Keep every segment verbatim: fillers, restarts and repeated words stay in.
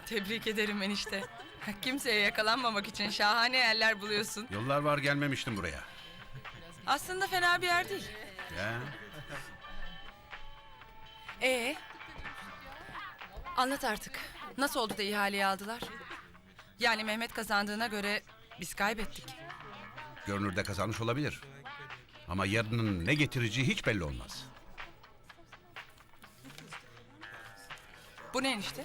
Tebrik ederim enişte. Kimseye yakalanmamak için şahane yerler buluyorsun. Yıllar var gelmemiştim buraya. Aslında fena bir yer değil. Ya. Ee, anlat artık. Nasıl oldu da ihaleyi aldılar? Yani Mehmet kazandığına göre biz kaybettik. Görünürde kazanmış olabilir. Ama yarının ne getireceği hiç belli olmaz. Bu ne enişte?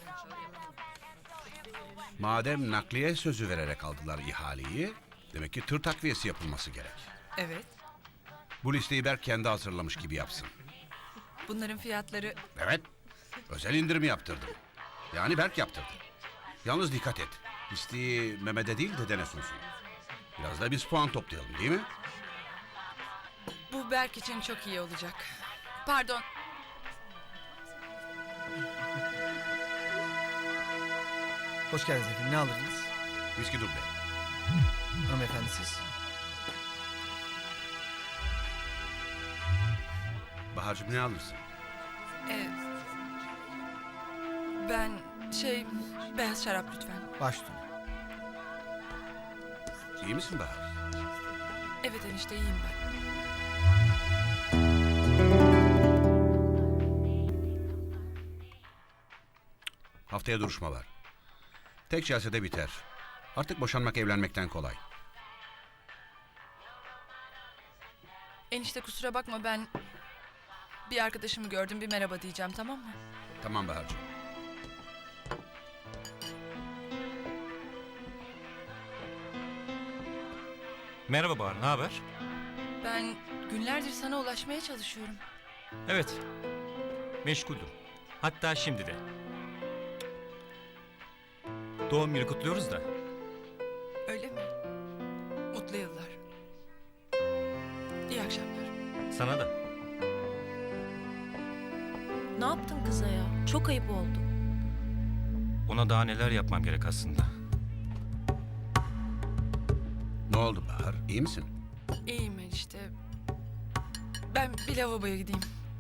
Madem nakliye sözü vererek aldılar ihaleyi, demek ki tır takviyesi yapılması gerek. Evet. Bu listeyi Berk kendi hazırlamış gibi yapsın. Bunların fiyatları... Evet, özel indirim yaptırdım. Yani Berk yaptırdı. Yalnız dikkat et, listeyi Mehmet'e değil dedene sunsun. Biraz da biz puan toplayalım değil mi? Bu Berk için çok iyi olacak. Pardon. Hoş geldiniz efendim. Ne alırdınız? Viski duble. Hanımefendi siz. Bahar'cığım ne alırsın? Ee, ben şey... Beyaz şarap lütfen. Baş üstüne. İyi misin Bahar? Evet enişte iyiyim ben. Haftaya duruşma var. Tek celsede biter. Artık boşanmak evlenmekten kolay. Enişte kusura bakma ben... Bir arkadaşımı gördüm bir merhaba diyeceğim tamam mı? Tamam Bahar'cığım. Merhaba Bahar, ne haber? Ben günlerdir sana ulaşmaya çalışıyorum. Evet, meşguldüm. Hatta şimdi de. Doğum günü kutluyoruz da. Öyle mi? Mutlu yıllar. İyi akşamlar. Sana da. Ne yaptın kıza ya? Çok ayıp oldu. Ona daha neler yapmam gerek aslında. Ne oldu Bahar? İyi misin? İyiyim enişte. Ben bir lavaboya gideyim.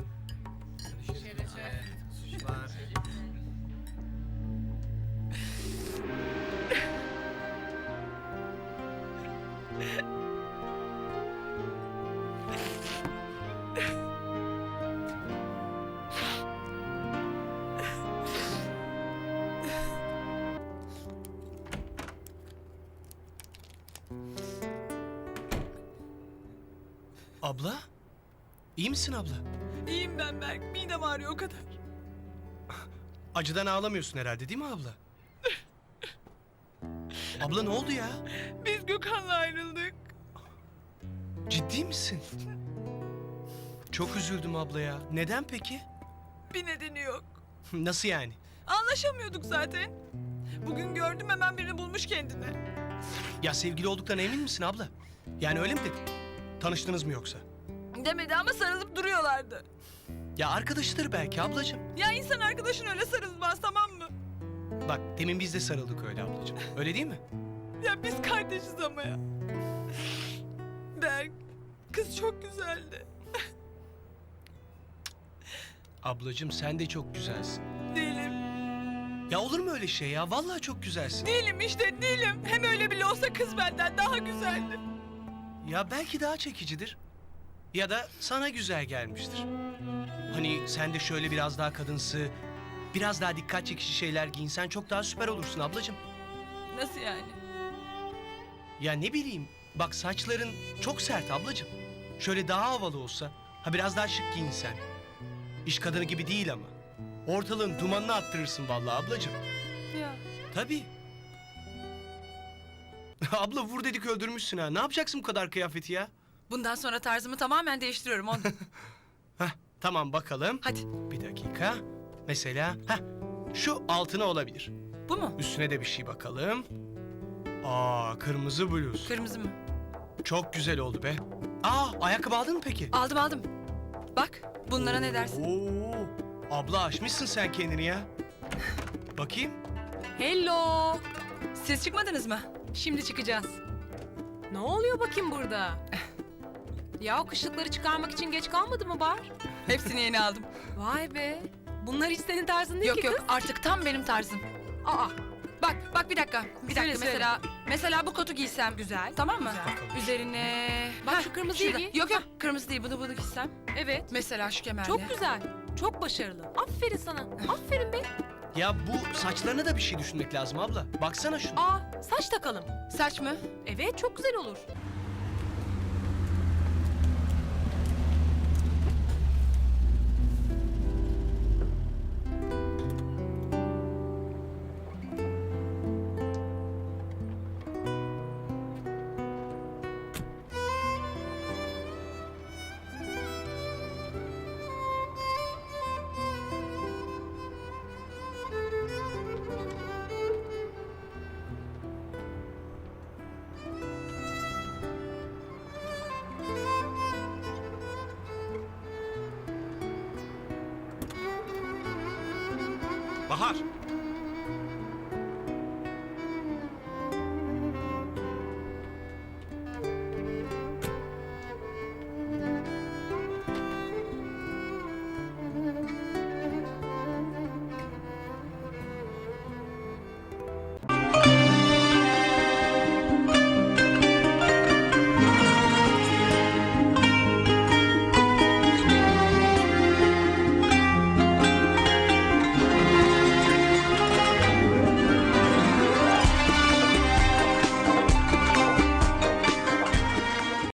Abla? İyi misin abla? İyiyim ben Berk. Midem ağrıyor o kadar. Acıdan ağlamıyorsun herhalde değil mi abla? Abla ne oldu ya? Biz Gökhan'la ayrıldık. Ciddi misin? Çok üzüldüm abla ya. Neden peki? Bir nedeni yok. Nasıl yani? Anlaşamıyorduk zaten. Bugün gördüm hemen birini bulmuş kendine. Ya sevgili olduktan emin misin abla? Yani öyle mi dedi? Tanıştınız mı yoksa? Demedi ama sarılıp duruyorlardı. Ya arkadaşıdır belki ablacığım. Ya insan arkadaşın öyle sarılmaz tamam mı? Bak demin biz de sarıldık öyle ablacığım. Öyle değil mi? Ya biz kardeşiz ama ya. Berk, kız çok güzeldi. Ablacığım sen de çok güzelsin. Değilim. Ya olur mu öyle şey ya? Vallahi çok güzelsin. Değilim işte değilim. Hem öyle bile olsa kız benden daha güzeldi. Ya belki daha çekicidir. Ya da sana güzel gelmiştir. Hani sen de şöyle biraz daha kadınsı, biraz daha dikkat çekici şeyler giyinsen çok daha süper olursun ablacığım. Nasıl yani? Ya ne bileyim, bak saçların çok sert ablacığım. Şöyle daha havalı olsa, ha biraz daha şık giyinsen. İş kadını gibi değil ama. Ortalığın dumanını attırırsın vallahi ablacığım. Ya. Tabii. Abla vur dedik öldürmüşsün ha. Ne yapacaksın bu kadar kıyafeti ya? Bundan sonra tarzımı tamamen değiştiriyorum onu. Heh, tamam bakalım. Hadi Bir dakika. Mesela heh, şu altına olabilir. bu mu? Üstüne de bir şey bakalım. Aa kırmızı bluz. Kırmızı mı? Çok güzel oldu be. Aa ayakkabı aldın mı peki? Aldım aldım. Bak bunlara ne dersin? Oo, abla aşmışsın sen kendini ya. Bakayım. Hello. Siz çıkmadınız mı? Şimdi çıkacağız. Ne oluyor bakayım burada? Ya o kışlıkları çıkarmak için geç kalmadı mı Bahar? Hepsini yeni aldım. Vay be. Bunlar hiç senin tarzın değil Yok ki yok kız. artık tam benim tarzım. Aa, Bak bak bir dakika. Bir Söyle, dakika söyle. mesela mesela bu kotu giysem. Güzel. Tamam mı? Güzel. Üzerine Bak Heh, şu kırmızıyı şurada. giy. Yok yok kırmızı değil bunu bunu giysem. Evet. Mesela şu kemerle. Çok güzel. Çok başarılı. Aferin sana. Aferin be. Ya bu saçlarına da bir şey düşünmek lazım abla. Baksana şuna. Aa, saç takalım. Saç mı? Evet, çok güzel olur. Bahar!